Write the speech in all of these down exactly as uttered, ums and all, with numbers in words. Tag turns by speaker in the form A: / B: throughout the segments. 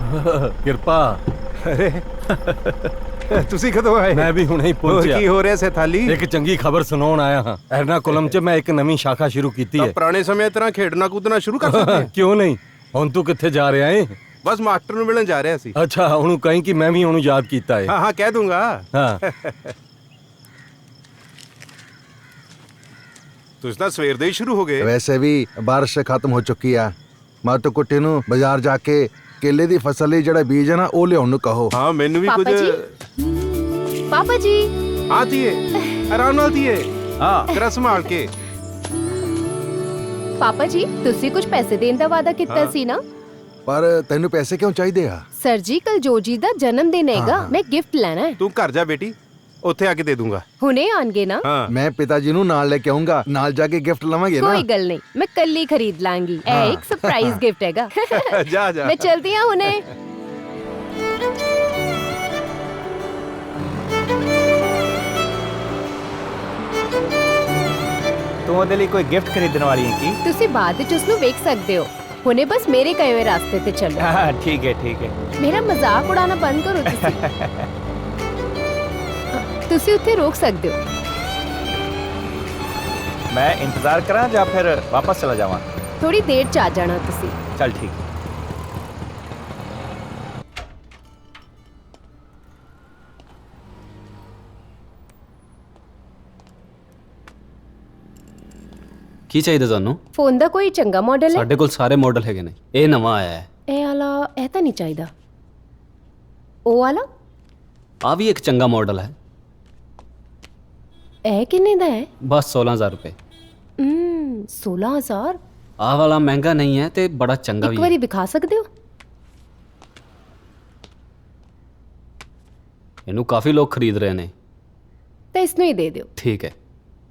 A: ਕਿਰਪਾ।
B: ਅਰੇ ਤੁਸੀਂ ਕਦੋਂ ਆਏ?
A: ਮੈਂ ਵੀ ਹੁਣੇ ਹੀ
B: ਹੋਰ
A: ਪਹੁੰਚਿਆ।
B: ਕੀ ਹੋ ਰਿਹਾ ਸੈਥਾਲੀ?
A: ਇੱਕ ਚੰਗੀ ਖਬਰ ਸੁਣਾਉਣ ਆਇਆ ਹਾਂ। ਐਰਨਾਕੁਲਮ 'ਚ ਮੈਂ ਇੱਕ ਨਵੀਂ ਸ਼ਾਖਾ ਸ਼ੁਰੂ ਕੀਤੀ
B: ਤਾਂ
A: ਹੈ।
B: ਪੁਰਾਣੇ ਸਮੇਂ ਤਰ੍ਹਾਂ ਖੇਡਣਾ ਕੂਦਣਾ ਸ਼ੁਰੂ ਕਰ ਸਕਦੇ ਹਾਂ।
A: ਕਿਉਂ ਨਹੀਂ? ਹੁਣ ਤੂੰ ਕਿੱਥੇ ਜਾ ਰਿਹਾ ਏ?
B: ਬਸ ਮਾਸਟਰ ਨੂੰ ਮਿਲਣ ਜਾ ਰਿਹਾ ਸੀ।
A: ਅੱਛਾ, ਉਹਨੂੰ ਕਹੀਂ ਕਿ ਮੈਂ ਵੀ ਉਹਨੂੰ ਯਾਦ ਕੀਤਾ ਏ।
B: ਹਾਂ ਹਾਂ ਕਹਿ ਦੂੰਗਾ।
A: ਹਾਂ।
B: ਤੁਸੀਂ ਤਾਂ ਸਵੇਰ ਦੇ ਹੀ ਸ਼ੁਰੂ ਹੋ ਗਏ।
C: वैसे भी बारिश खत्म हो चुकी है। मैं तो कुट्टी नू बाजार जाके केले दी फसल ਲਈ ਜਿਹੜਾ ਬੀਜ ਹੈ ਨਾ ਉਹ ਲਿਆਉਣ ਨੂੰ ਕਹੋ।
B: ਹਾਂ ਮੈਨੂੰ ਵੀ ਕੁਝ।
D: ਪਾਪਾ ਜੀ ਪਾਪਾ ਜੀ
B: ਹਾਂ ਧੀਏ, ਆਰਾਮ ਨਾਲ ਧੀਏ। ਹਾਂ ਤੇਰਾ ਸੰਭਾਲ ਕੇ।
D: ਪਾਪਾ ਜੀ ਤੁਸੀਂ ਕੁਝ ਪੈਸੇ ਦੇਣ ਦਾ ਵਾਅਦਾ ਕੀਤਾ ਸੀ ਨਾ?
C: ਪਰ ਤੈਨੂੰ ਪੈਸੇ ਕਿਉਂ ਚਾਹੀਦੇ ਆ?
D: ਸਰ ਜੀ ਕੱਲ ਜੋਜੀ ਦਾ ਜਨਮ ਦਿਨ ਹੈਗਾ, ਮੈਂ ਗਿਫਟ ਲੈਣਾ ਹੈ।
B: ਤੂੰ ਘਰ ਜਾ ਬੇਟੀ, ਉੱਥੇ ਆ ਕੇ ਦੇ ਦੂੰਗਾ।
D: ਹੁਣੇ ਆਣਗੇ ਨਾ?
B: ਹਾਂ
C: ਮੈਂ ਪਿਤਾ ਜੀ ਨੂੰ ਨਾਲ ਲੈ ਕੇ ਆਉਂਗਾ, ਨਾਲ ਜਾ ਕੇ ਗਿਫਟ ਲਵਾਂਗੇ ਨਾ।
D: ਕੋਈ ਗੱਲ ਨਹੀਂ, ਮੈਂ ਕੱਲ ਹੀ ਖਰੀਦ ਲਾਂਗੀ। ਇਹ ਇੱਕ ਸਰਪ੍ਰਾਈਜ਼ ਗਿਫਟ ਹੈਗਾ।
B: ਜਾ ਜਾ।
D: ਮੈਂ ਚਲਦੀ ਹਾਂ ਹੁਣੇ।
E: ਤੂੰ ਉਹਦੇ ਲਈ ਕੋਈ ਗਿਫਟ ਖਰੀਦਣ ਵਾਲੀ ਹੈ ਕੀ?
D: ਤੁਸੀਂ ਬਾਅਦ ਵਿੱਚ ਉਸ ਨੂੰ ਵੇਖ ਸਕਦੇ ਹੋ। ਹੁਣੇ ਬਸ ਮੇਰੇ ਕਹੇ ਹੋਏ ਰਾਸਤੇ ਤੇ ਚੱਲੋ।
E: ਹਾਂ ਠੀਕ ਹੈ ਠੀਕ ਹੈ।
D: ਮੇਰਾ ਮਜ਼ਾਕ ਉਡਾਣਾ ਬੰਦ ਕਰੋ ਤੁਸੀਂ। ਤੁਸੀਂ ਉੱਥੇ ਰੋਕ ਸਕਦੇ ਹੋ।
E: ਮੈਂ ਇੰਤਜ਼ਾਰ ਕਰਾਂ ਜਾਂ ਫਿਰ ਵਾਪਸ ਚਲਾ ਜਾਵਾਂ?
D: ਥੋੜੀ ਦੇਰ ਚ ਆ ਜਾਣਾ ਤੁਸੀਂ।
E: ਚੱਲ ਠੀਕ ਹੈ।
F: ਕੀ ਚਾਹੀਦਾ ਤੁਹਾਨੂੰ?
D: ਫੋਨ ਦਾ ਕੋਈ ਚੰਗਾ ਮਾਡਲ ਹੈ?
F: ਸਾਡੇ ਕੋਲ ਸਾਰੇ ਮਾਡਲ ਹੈਗੇ ਨੇ। ਇਹ ਨਵਾਂ ਆਇਆ ਹੈ।
D: ਇਹ ਵਾਲਾ, ਇਹ ਤਾਂ ਨਹੀਂ ਚਾਹੀਦਾ। ਉਹ ਵਾਲਾ?
F: ਆ ਵੀ ਇੱਕ ਚੰਗਾ ਮਾਡਲ ਹੈ।
D: ਇਹ ਕਿੰਨੇ ਦਾ ਹੈ?
F: ਬਸ सोलह हज़ार रुपए।
D: ਹਮ सोलह हज़ार।
F: ਆਹ ਵਾਲਾ ਮਹਿੰਗਾ ਨਹੀਂ ਹੈ ਤੇ ਬੜਾ ਚੰਗਾ ਵੀ
D: ਇੱਕ
F: ਹੈ।
D: ਵਾਰੀ ਦਿਖਾ ਸਕਦੇ ਹੋ?
F: ਇਹਨੂੰ ਕਾਫੀ ਲੋਕ ਖਰੀਦ ਰਹੇ ਨੇ।
D: ਤਾਂ ਇਸ ਨੂੰ ਹੀ ਦੇ ਦਿਓ।
F: ਠੀਕ ਹੈ।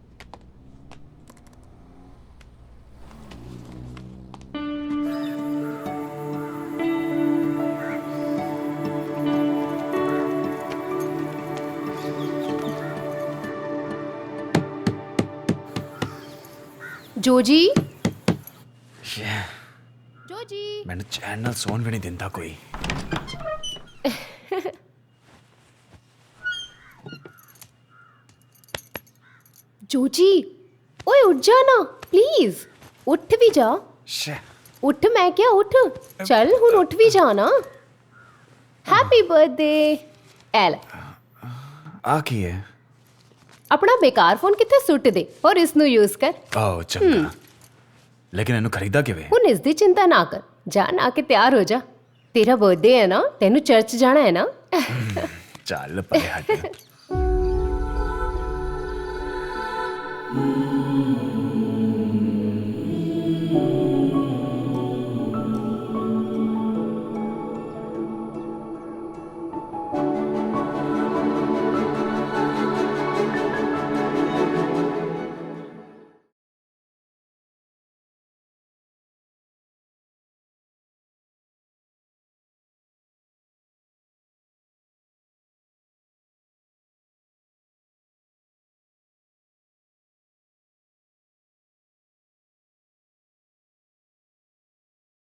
D: ਜੋਜੀ ਜੋਜੀ
E: ਮੈਨੂੰ ਚੈਨ ਨਾਲ ਸੌਣ ਵੀ ਨਹੀਂ ਦਿੰਦਾ ਕੋਈ।
D: ਜੋਜੀ ਓਏ ਉੱਠ ਜਾ ਨਾ ਪਲੀਜ਼। ਉੱਠ ਵੀ ਜਾ। ਉੱਠ, ਮੈਂ ਕਿਹਾ ਉੱਠ। ਚੱਲ ਹੁਣ ਉੱਠ ਵੀ ਜਾ ਨਾ। Happy birthday. ਐ ਲੈ
E: ਆ ਕੀ ਹੈ?
D: ਆਪਣਾ ਬੇਕਾਰ ਫੋਨ ਕਿੱਥੇ ਸੁੱਟ ਦੇ ਔਰ ਇਸ ਨੂੰ ਯੂਜ਼ ਕਰ।
E: ਆਹ ਚੰਗਾ। ਲੇਕਿਨ ਇਹਨੂੰ ਖਰੀਦਾ ਕਿਵੇਂ?
D: ਹੁਣ ਇਸ ਦੀ ਚਿੰਤਾ ਨਾ ਕਰ। ਜਾ ਨਾ ਕੇ ਤਿਆਰ ਹੋ ਜਾ। ਤੇਰਾ ਬਰਥਡੇ ਹੈ ਨਾ, ਤੈਨੂੰ ਚਰਚ ਜਾਣਾ ਹੈ ਨਾ।
E: ਚੱਲ ਪਰੇ ਹਟ।